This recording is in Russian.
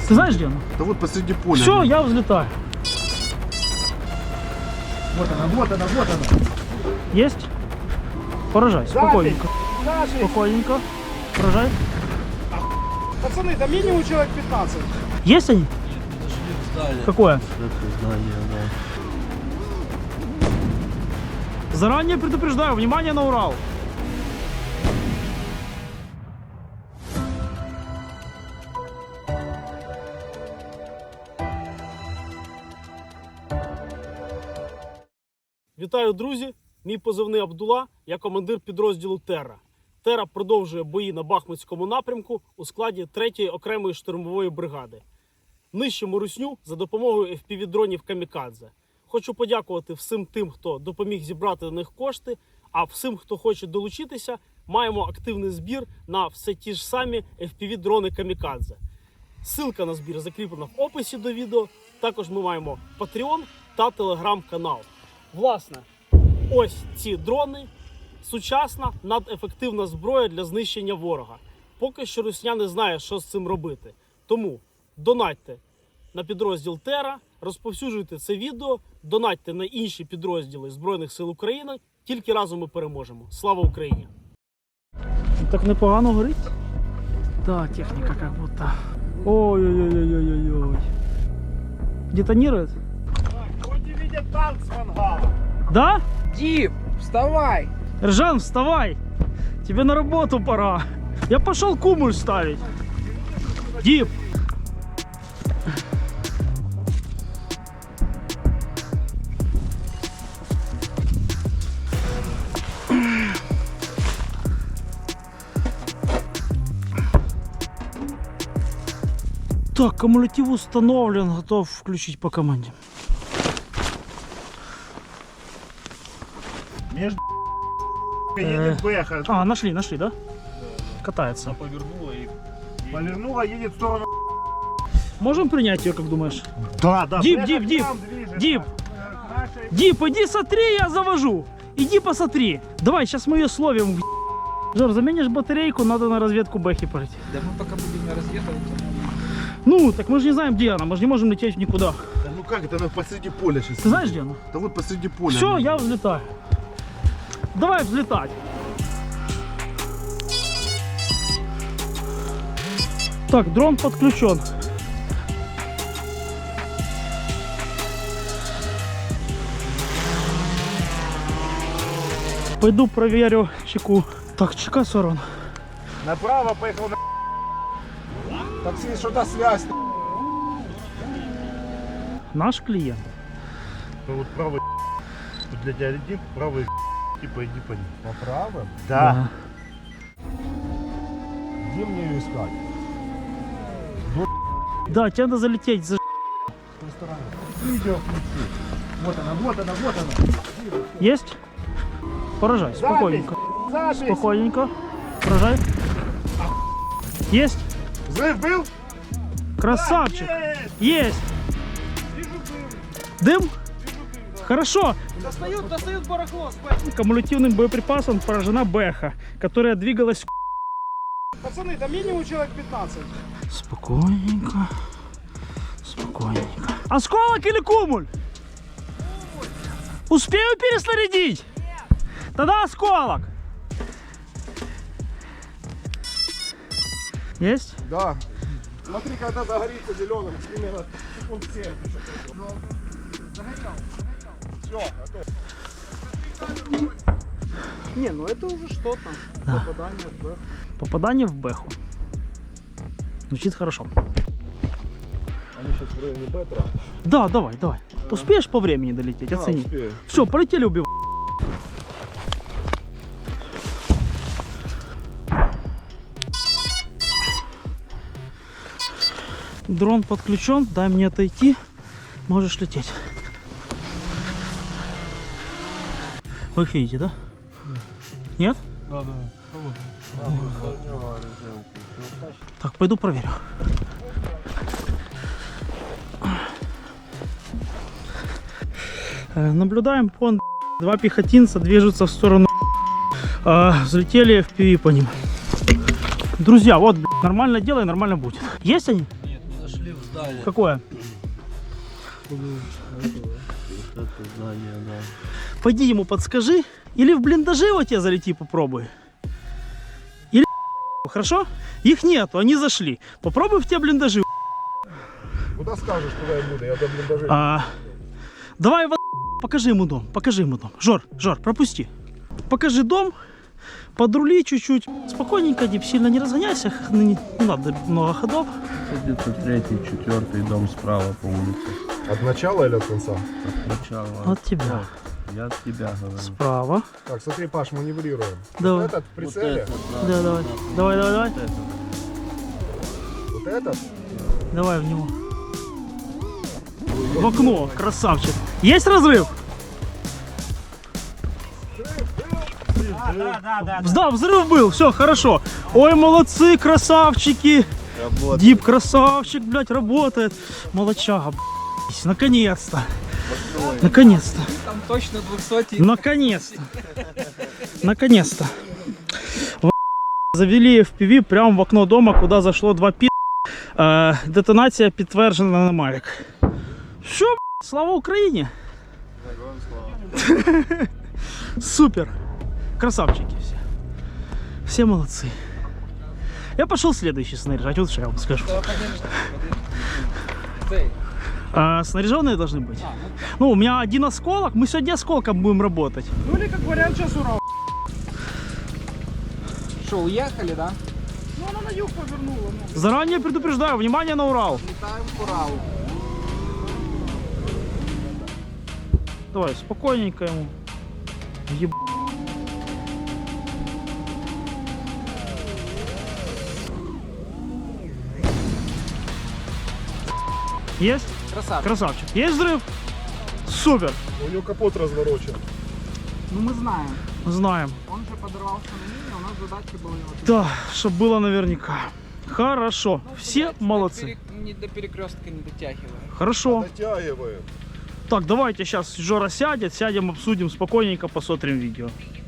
Ты знаешь, где она? Да вот посреди поля. Все, я взлетаю. Вот она, вот она, вот она. Есть? Поражай, спокойненько. Спокойненько. Поражай. Пацаны, да минимум человек 15. Есть они? Нет, подошли к зданию. Какое? Это здание, да. Заранее предупреждаю, внимание на Урал. Вітаю, друзі! Мій позивний Абдула, я командир підрозділу Терра. Терра продовжує бої на Бахмутському напрямку у складі 3-ї окремої штурмової бригади. Нищимо русню за допомогою FPV-дронів «Камікадзе». Хочу подякувати всім тим, хто допоміг зібрати на них кошти, а всім, хто хоче долучитися, маємо активний збір на все ті ж самі FPV-дрони «Камікадзе». Ссылка на збір закріплена в описі до відео. Також ми маємо Patreon та Telegram-канал. Власне, ось ці дрони – сучасна, надефективна зброя для знищення ворога. Поки що русня не знає, що з цим робити. Тому донатьте на підрозділ Терра, розповсюджуйте це відео, донатьте на інші підрозділи Збройних сил України. Тільки разом ми переможемо. Слава Україні! Так непогано горить? Да, техніка як будто. Ой-ой-ой-ой-ой-ой. Детонирует? Хоть и видят танк с мангала. Да? Дип, вставай! Ржан, вставай! Тебе на работу пора. Я пошел кумуль ставить. Дип! Так, кумулятив установлен, готов включить по команде. Между едет Бэха. А, нашли, да? Катается. Повернула, едет в сторону. Можем принять ее, как думаешь? Да, да. Дип, Бэха дип, к дип. нам движется. Дип, Нашей- Дип, иди смотри, я завожу. Иди посмотри. Давай, сейчас мы ее словим. Жор, заменишь батарейку, надо на разведку Бэхи полететь. Да мы пока будем разведывать. Ну, так мы же не знаем, где она, мы же не можем лететь никуда. Да ну как это, она посреди поля сейчас. Ты знаешь, где она? Да вот посреди поля. Все, я взлетаю. Давай взлетать. Так, дрон подключен. Пойду проверю чеку. Так, чека сорван. Направо поехал на... Такси, что-то связь. Наш клиент. Ну вот правый тут для тебя летит, правый типа иди по ним. По правым? Да. Где мне ее искать? Да, тебе надо залететь за... С той стороны. Видео включи. Вот она, вот она, вот она. Есть? Поражай, спокойненько. Запись. Спокойненько. Поражай. Есть? Взрыв был? Красавчик. Есть. Есть. Дым? Хорошо. Достают барахло, спать. Кумулятивным боеприпасом поражена Бэха, которая двигалась... Пацаны, да минимум человек 15. Спокойненько. Спокойненько. Осколок или кумуль? Успею переснарядить? Тогда осколок. Есть? Да. Смотри, когда загорится зеленым, примерно секунд 7. Все, готов. Не, ну это уже что-то. Да. Попадание в Бэху. Попадание в Бэху. Звучит хорошо. Они сейчас в районе Бетра. Да, давай. Успеешь по времени долететь? Оцени. успею. Все, полетели убивать. Дрон подключен, дай мне отойти. Можешь лететь. Вы их видите, да? Нет? Да. Так, пойду проверю. Наблюдаем пон. Два пехотинца движутся в сторону. Взлетели FPV по ним. Друзья, вот, нормально делай, нормально будет. Есть они? Нет, не нашли в здание. Какое? Вот это здание, да. Пойди ему подскажи. Или в блиндаже вот тебе залети попробуй. Или хорошо? Их нету, они зашли. Попробуй в те блиндажи. Куда скажешь, туда я буду, я до блиндажей. Давай покажи ему дом, покажи ему дом. Жор, пропусти. Покажи дом, подрули чуть-чуть. Спокойненько, Дип, сильно не разгоняйся. Не надо много ходов. Это где-то 3-й, 4-й дом справа по улице. От начала или от конца? От начала. От тебя. Я от тебя говорю. Справа. Так, смотри, Паш, маневрируем. Давай. Вот этот в Вот прицеле, это, Да, давай. Давай. Вот это. вот этот. Давай в него. В окно, красавчик. Есть разрыв? Да, взрыв был, все, хорошо. Ой, молодцы, красавчики. Работает. Дип, красавчик, блядь, работает. Молодчага, блядь. Наконец-то. Наконец-то. Там точно 200. Наконец-то. Наконец-то. Завели FPV прямо в окно дома, куда зашло 2 пи. Детонація підтверджена на Mavic. Що, блядь, слава Україні! Супер! Красавчики все. Все молодцы. Я пошел следующий снаряжать, вот что я вам скажу. Цей. Снаряженные должны быть. Ну, у меня один осколок, мы сегодня осколком будем работать. Ну или как вариант сейчас Урал. Что, уехали, да? Ну она на юг повернула. Ну. Заранее предупреждаю, внимание на Урал. Летаем к Уралу. Давай, спокойненько ему. Еб... Есть? Красавчик. Красавчик. Есть взрыв? Супер. У него капот разворочен. Ну мы знаем. Знаем. Он же подорвался на мине, у нас задача была его... Да, чтобы было наверняка. Хорошо. Ну, Все блядь, молодцы. Не до перекрестка не дотягиваем. Хорошо. Дотягиваем. Так, давайте сейчас Жора сядет, сядем, обсудим спокойненько, посмотрим видео.